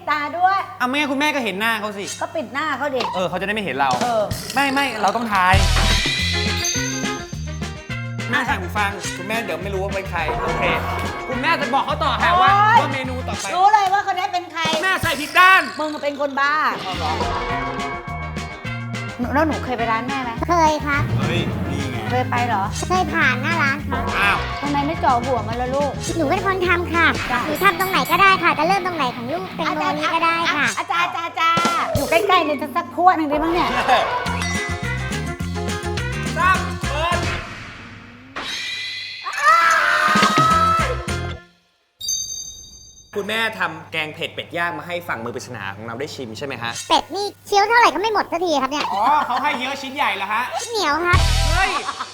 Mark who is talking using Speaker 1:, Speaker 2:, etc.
Speaker 1: ตาด้วย
Speaker 2: อ่ะไม่งั้นคุณแม่ก็เห็นหน้าเขาสิ
Speaker 1: ก็ปิดหน้าเขาดิ
Speaker 2: เขาจะได้ไม่เห็นเรา ไม่เราต้องทาย แม่สั่งหูฟังคุณแม่เดี๋ยวไม่รู้ว่าเป็นใครโอเคคุณแม่จะบอกเขาต่อค่ะว่าเมนูต่อไป
Speaker 1: รู้เลยว่าคนนี้เป็นใคร
Speaker 2: แม่ใส่ผิดด้าน
Speaker 1: มึงเป็นคนบ้าแล้วหนูเคยไปร้านแม่ไหม
Speaker 3: เคยครับ
Speaker 2: เฮ้ยนี่ไง
Speaker 1: เคยไปเหรอ
Speaker 3: เคยผ่านหน้าร้านครับ
Speaker 2: อ้าว
Speaker 1: ทำไมไม่จ่อหัวมันละลูก
Speaker 3: หนูเป็นคนทำค่ะหนูทำตรงไหนก็ได้ค่ะ จะเริ่มตรงไหนของลูกเป็นโมนี้ก็ได้ค่ะ
Speaker 1: อาจารย์อยู่ใกล้ๆเนี่ยจะสักพวดหนึ่งได้บ้างเนี่ย
Speaker 2: ตั้งเปิดคุณแม่ทำแกงเผ็ดเป็ดย่างมาให้ฝั่งมือปริศนาของเราได้ชิมใช่ไหมฮะ
Speaker 3: เป็ดนี่เคี้ยวเท่าไหร่ก็ไม่หมดสักทีครับเนี่ย
Speaker 2: อ๋อเขาให้เยอะชิ้นใหญ่เหรอฮะ
Speaker 3: เหนียวครับ
Speaker 2: เฮ้ย